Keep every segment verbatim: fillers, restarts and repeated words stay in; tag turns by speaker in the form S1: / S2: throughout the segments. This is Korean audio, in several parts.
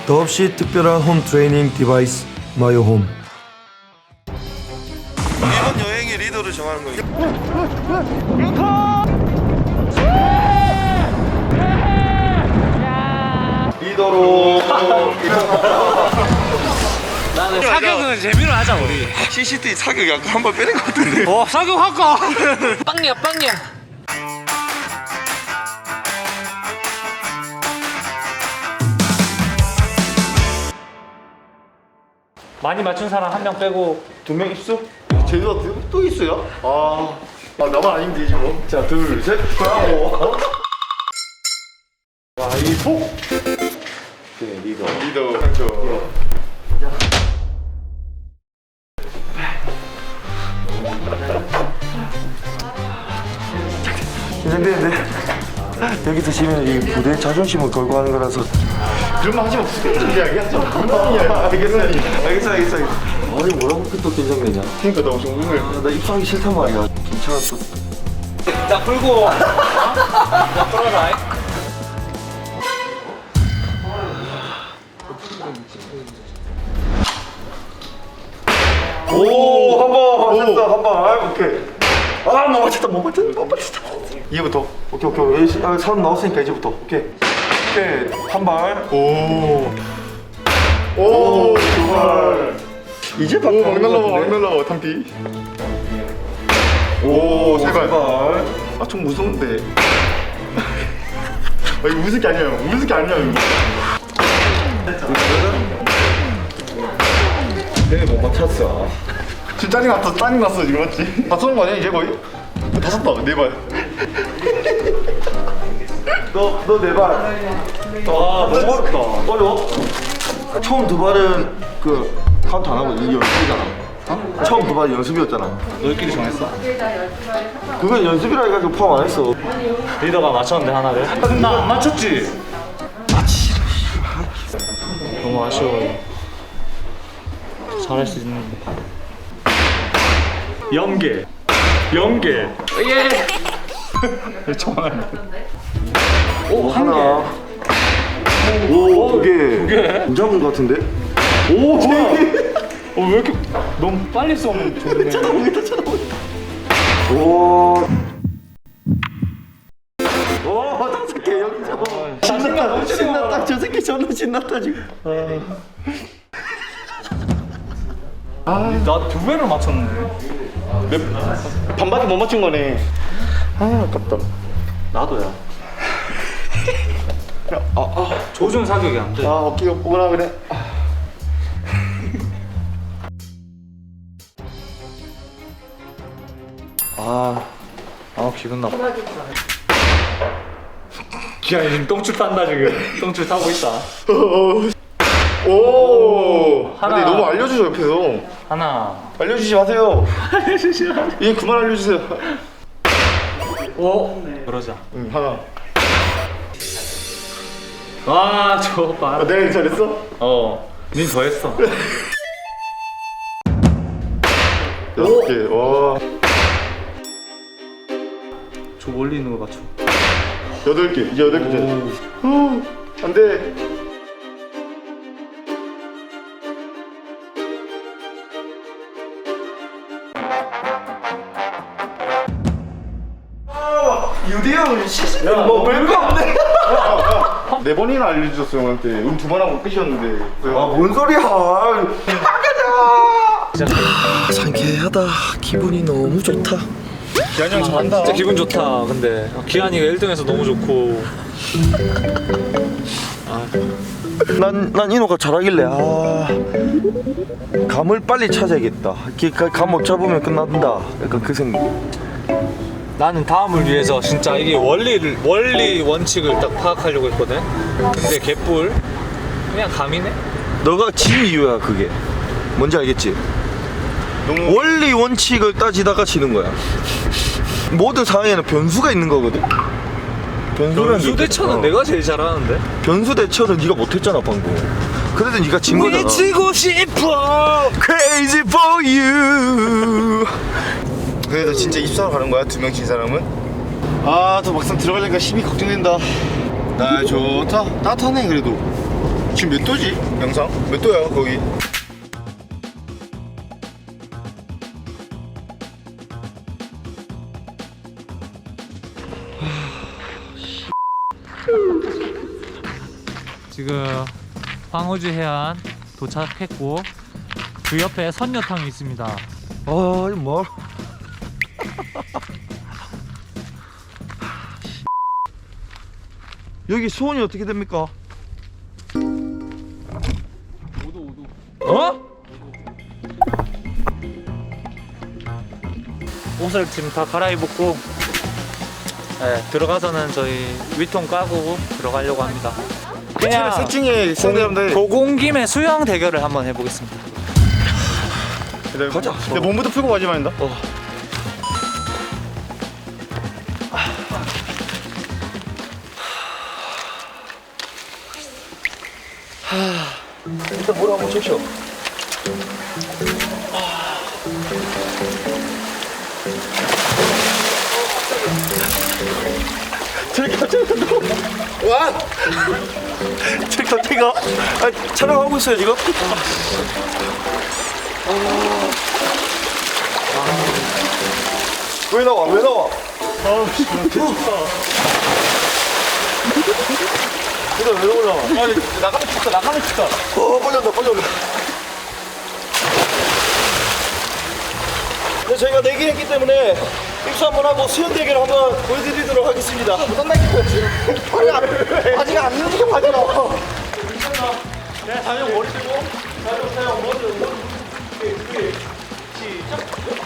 S1: 더없이 특별한 홈 트레이닝 디바이스 마요홈.
S2: 이번 여행의 리더를 정하는 거예요. 리더로
S3: 나는 사격은 재미로 하자 우리.
S2: 씨씨티비 사격 약간 한 번 빼는 것 같은데.
S3: 어 사격할까? 빵이야 빵이야. 많이 맞춘 사람 한 명 빼고
S2: 두 명 입수? 제주가 또 있어요? 아, 아 나만 아니면 되지 뭐. 자, 둘, 셋, 하고. 와, 이 폭. 네, 리더. 리더. 그렇죠. 긴장되는데 여기서 지면 이 부대의 자존심을 걸고 하는 거라서. 그런 말 하지 마. 부대적 이야기야. 알겠어, 알겠어, 알겠어. 아니 뭐라고 그렇게 또 긴장되냐? 그러니까 나 엄청 궁금해. 나 입사하기 싫단 말이야. 괜찮아 또.
S3: 자 풀고. 자 풀어라.
S2: 오, 한 번 맞췄어, 한 번. 오케이. 아, 못 맞췄다, 못 맞췄다, 못 맞췄다. 이제부터. 오케이, 오케이. 여기 아, 사람 나왔으니까 이제부터. 오케이. 오케이. 한 발. 오. 오, 두 발. 이제 발. 막 날라와, 막 날라와, 탐피. 오, 세 발. 아, 좀 무서운데. 아, 이거 무슨 게 아니야, 무슨 게 아니야, 이거. 내가 못 맞췄어. 지금 짜증 났어, 짜증 났어 지금 맞지? 다 쏘는 거 아니야 이제 거의? 다 쐈다, 네 발. 너, 너 네 발. 아, 너무 어렵다. 어려워? 처음 두 발은 그 카운트 안 하고 이 연습이잖아. 어? 처음 두 발이 연습이었잖아. 너희끼리 정했어? 그건 연습이라 해가지고 포함 안 했어.
S3: 리더가 맞췄는데 하나를. 나 안 맞췄지. 너무 아쉬워요. 잘할 수 있는데. 연계. 연계. 예. 정말.
S2: 오, 하나. 오, 두 개.
S3: 두 개?
S2: 안 잡은 거 같은데?
S3: 오, 뭐야? 어, 왜 이렇게 너무 빨리 쏘면 좋네.
S2: 쳐다보겠다, 쳐다보겠다. 오. 오, 다섯 개 영점. 신났다, 신났다. 저 새끼 존나 신났다 지금.
S3: 아, 나 두 배를 맞췄네.
S2: 몇, 반밖에 못 맞춘 거네. 아, 아깝다.
S3: 나도야.
S2: 아, 아,
S3: 조준 사격이 안 돼.
S2: 아, 어깨가 뽀근하 그래.
S3: 아, 아 기분 나빠. 기아이 지금 똥줄 탄다 지금. 똥줄 타고 있다.
S2: 오,
S3: 하나.
S2: 근데 너무 알려주죠 옆에서.
S3: 하나.
S2: 알려주지 마세요. 알려주지 마세요. 예, 그만 알려주세요.
S3: 오. 그러자.
S2: 응, 하나.
S3: 와, 저거 봐.
S2: 아, 내가 잘했어?
S3: 어. 닌 더 했어.
S2: 여섯 개. 와.
S3: 저 멀리 있는 거 맞춰.
S2: 여덟 개. 이제 여덟 개째. 후, 안 돼. 유대형 시스템 뭐 별거 없네. 네 번이나 알려주셨어 형한테. 우리 두 번 하고 끝이었는데. 아, 뭔 소리야. 가자.
S1: 상쾌하다. 기분이 너무 좋다.
S2: 기한이 형 잘한다.
S3: 진짜 기분 좋다. 근데 기한이가 일 등해서 너무 좋고.
S1: 난, 난 인호가 잘하길래 아 감을 빨리 찾아야겠다. 감 못 잡으면 끝난다. 약간 그 생각.
S3: 나는 다음을 위해서 진짜 이게 원리를 원리 원칙을 딱 파악하려고 했거든. 근데 개뿔 그냥 감이네.
S1: 너가 진 이유야 그게. 뭔지 알겠지?
S2: 너무
S1: 원리 원칙을 따지다가 지는 거야. 모든 상황에는 변수가 있는 거거든. 변수라는
S3: 변수
S1: 게
S3: 대처는
S1: 어.
S3: 내가 제일 잘하는데.
S1: 변수 대처는 네가 못했잖아 방금. 그래도 네가 진 거잖아.
S3: 미치고 싶어.
S1: Crazy for you.
S2: 그래도 진짜 입사하러 가는 거야? 두 명 진 사람은? 아, 또 막상 들어가려니까 힘이 걱정된다. 날 좋다. 따뜻하네 그래도. 지금 몇 도지? 영상? 몇 도야 거기?
S3: 지금 황우주 해안 도착했고 그 옆에 선녀탕이 있습니다.
S1: 아 이거 뭐 여기 수온이 어떻게 됩니까? 어?
S3: 옷을 지금 다 갈아입었고 네, 들어가서는 저희 위통 까고 들어가려고 합니다. 그냥
S2: 세팅에 시청자분들
S3: 고공 김에 수영 대결을 한번 해보겠습니다.
S1: 가자.
S2: 내 몸부터 풀고 가지 말인다.
S1: 어. 일단 물 한번 적셔. 저기 갑자기 와! 저기 갑자기 아, 촬영하고 있어요 지금? 왜 나와? 왜 나와?
S3: 아우 씨, 개춥다.
S1: 그래 왜 올라와?
S3: 아니 나가면 춥다. 나가면 춥다.
S1: 어 빨리 온다 빨리 온다. 네, 저희가 내기했기 때문에 입수 한번 하고 수영 대결 한번 보여드리도록 하겠습니다.
S2: 어떤 날씨야 지금? 아직 안 움직여 가지라.
S1: 네, 다영 머리 들고 다영 다영 머리 머리 이렇게 이렇게 시작.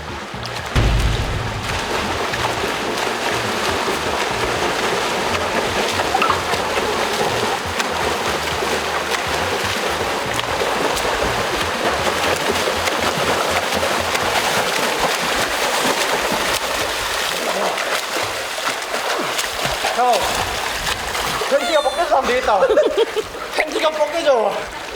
S2: 형, 팬티가 벗겨서 하면 되겠다. 팬티가 벗겨져.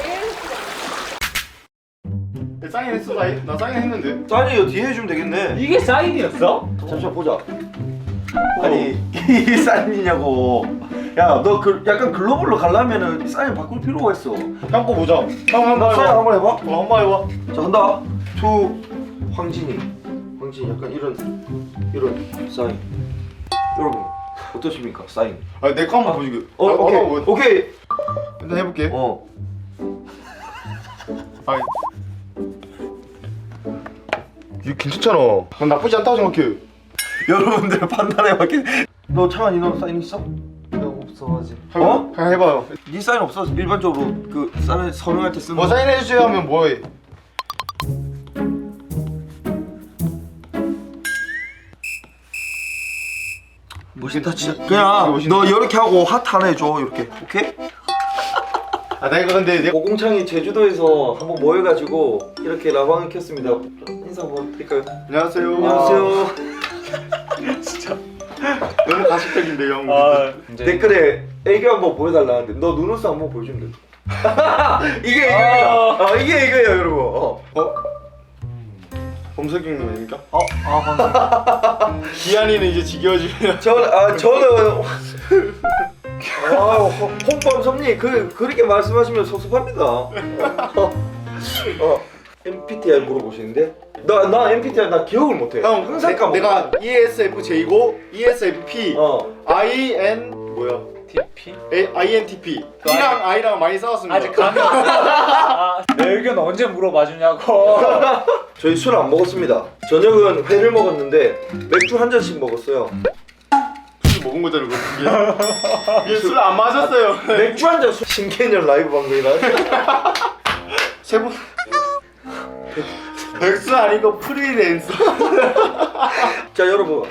S2: 사인 했어, 사인? 나 사인 했는데.
S1: 사인이 뒤에 해주면 되겠네.
S3: 이게 사인이었어?
S1: 잠시만 보자. 아니 이게 사인이냐고. 야 너 그 약간 글로벌로 가려면은 사인 바꿀 필요가 있어.
S2: 형 거 보자. 형 한번
S1: 사인
S2: 해봐.
S1: 한번 해봐.
S2: 어, 한번 해봐.
S1: 자 간다. 투 황진이. 황진이 약간 이런 이런 사인. 여러분 어떠십니까 사인?
S2: 아, 내 거 한번 보여줄게.
S1: 어
S2: 아,
S1: 오케이
S2: 어, 어,
S1: 오케이.
S2: 일단 해볼게.
S1: 어.
S2: 아, 이거 괜찮잖아. 난 나쁘지 않다고 생각해.
S1: 여러분들 판단해 봤겠. 너 창환이 너 사인 있어?
S3: 내가 없어 아직.
S1: 어?
S2: 그냥 해봐요.
S1: 네 사인 없어? 일반적으로 그 사인 서명할 때 쓰는
S2: 뭐
S1: 거.
S2: 사인해주세요 하면 뭐해?
S1: 멋있다 진짜. 그냥 너 이렇게 하고 하트 하나 해줘 이렇게. 오케이?
S2: 아, 내가 근데 내
S1: 오공창이 제주도에서 한번 모여가지고 이렇게 라방을 켰습니다. 인사 한번 드릴까요?
S2: 안녕하세요.
S1: 안녕하세요.
S2: 진짜 너무 가식적인데 형.
S3: 아, 이제
S1: 댓글에 애교 한번 보여달라는데 너 눈웃음 한번 보여주면 돼. 이게 애교입니다. 아, 이게 애교예요 여러분. 어.
S2: 어? 범석이님 아닙니까?
S3: 어, 아,
S2: 기한이는 이제 지겨워지면
S1: 저, 아 저는 아, 홍범섭님 그 그렇게 말씀하시면 섭섭합니다. 어, 어, 엠비티아이 물어보시는데 나 나 엠비티아이 나 기억을 못해.
S2: 형
S1: 항상
S2: 내,
S1: 까먹어.
S2: 내가 이에스에프제이고 이에스에프피
S1: 어.
S2: 아이엔 뭐야?
S3: 티피?
S2: A, 아이엔티피 T랑 I랑 많이 싸웠습니다.
S3: 아직 감이 없어. 아, 내 의견 언제 물어봐 주냐고.
S1: 저희 술 안 먹었습니다. 저녁은 회를 먹었는데 맥주 한 잔씩 먹었어요.
S2: 술 먹은 거잖아 그거. 이게 술 안 마셨어요.
S1: 맥주 한 잔 술 신개념 라이브 방송이라.
S2: 세 번. 백수 아니고 프리랜서.
S1: 자 여러분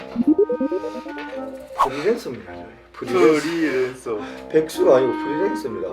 S1: 프리랜서입니다. 프리랜서.
S2: 프리랜서.
S1: 백수가 아니고 프리랜서입니다.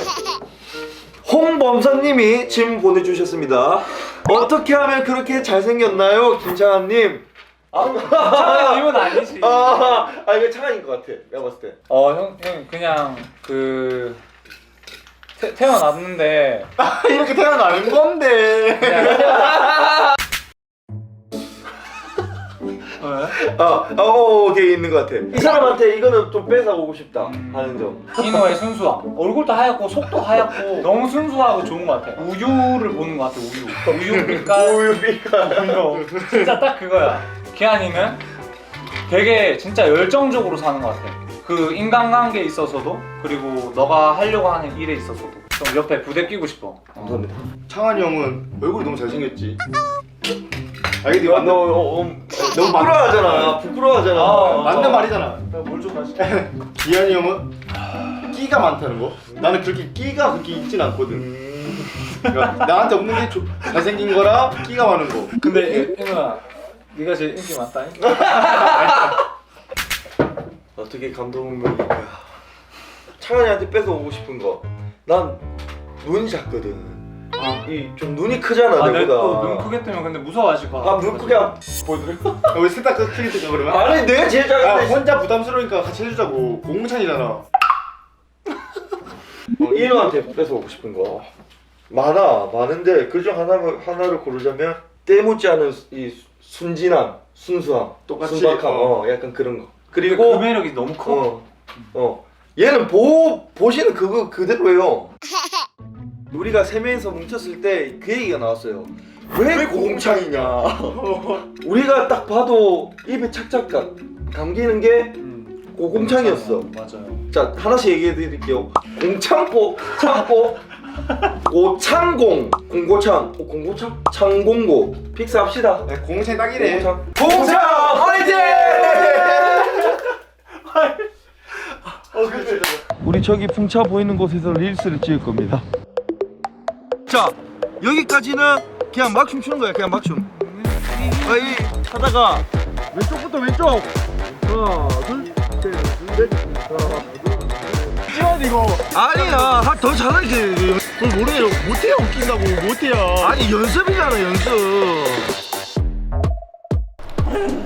S1: 홍범선님이 질문 보내주셨습니다. 어떻게 하면 그렇게 잘생겼나요, 김창환님?
S3: 창환님은 아니지.
S1: 아, 아 이거 창환인 것 같아. 내가 봤을 때.
S3: 어, 형, 형 그냥 그 태, 태어났는데
S2: 이렇게 태어나는 건데.
S3: 그냥
S1: 아, 아, 어, 오케이 있는 것 같아. 이 사람한테 이거는 좀 뺏어오고 싶다 하는 점.
S3: 인호의 순수함. 얼굴도 하얗고 속도 하얗고 너무 순수하고 좋은 것 같아. 우유를 보는 것 같아. 우유. 우유 빛깔.
S1: 우유 빛깔.
S3: 이거 진짜 딱 그거야. 기한이는 되게 진짜 열정적으로 사는 것 같아. 그 인간관계에 있어서도 그리고 너가 하려고 하는 일에 있어서도 좀 옆에 부대 끼고 싶어.
S1: 감사합니다.
S2: 창환이 형은 얼굴이 너무 잘생겼지. 알겠지?
S1: 너, 너 어, 어, 너무 부끄러워하잖아. 부끄러워하잖아.
S3: 아,
S2: 맞는 말이잖아.
S3: 뭘좀 마시.
S2: 기한이 형은 끼가 많다는 거. 나는 그렇게 끼가 그렇게 있진 않거든.
S1: 음.
S2: 그러니까 나한테 없는 게 조- 잘생긴 거랑 끼가 많은 거.
S3: 근데 인호야, 네가 제일 인기 많다.
S1: 어떻게 감동명일까? 창환이한테 뺏어오고 싶은 거. 난 눈이 작거든. 이 좀 눈이 크잖아
S3: 아,
S1: 내보다.
S3: 내또눈 크게 뜨면 근데 무서워하실 것 같아.
S1: 아, 눈 크게 안 보여드려?
S2: 아, 우리 셋다 크게 뜨자 그러면?
S1: 아니 내가 제일
S2: 아,
S1: 작은데.
S2: 혼자 부담스러우니까 같이 해주자고. 공창이잖아.
S1: 어, 인호한테 뺏어오고 싶은 거 많아. 많은데 그중 하나 하나를 고르자면 때묻지 않은 이 순진함, 순수함,
S2: 똑같이,
S1: 순박함,
S2: 어.
S1: 어, 약간 그런 거.
S3: 그리고
S1: 그리고
S3: 그 매력이 너무 커.
S1: 어, 어, 얘는 보 보시는 그거 그대로예요. 우리가 세 명이서 뭉쳤을 때 그 얘기가 나왔어요. 왜 고공창이냐? 우리가 딱 봐도 입에 착착 가- 감기는 게
S3: 음.
S1: 고공창이었어.
S3: 맞아요.
S1: 자, 하나씩 얘기해 드릴게요. 공창고, 창고, 고창공, 공고창, 어, 공고창, 창공고. 픽스합시다.
S2: 네, 공창이 딱이래.
S1: 공창, 공창 화이팅!
S2: 어, 그렇지.
S1: 우리 저기 풍차 보이는 곳에서 릴스를 찍을 겁니다. 자, 여기까지는 그냥 막춤 추는 거야. 그냥 막춤. 아이 하다가 왼쪽부터 왼쪽. 하나, 둘, 셋, 넷. 하나, 둘.
S2: 지원 이거.
S1: 아니야, 하- 더 잘하지.
S2: 그걸 모르네요. 못해요. 웃긴다고. 못해요.
S1: 아니 연습이잖아, 연습.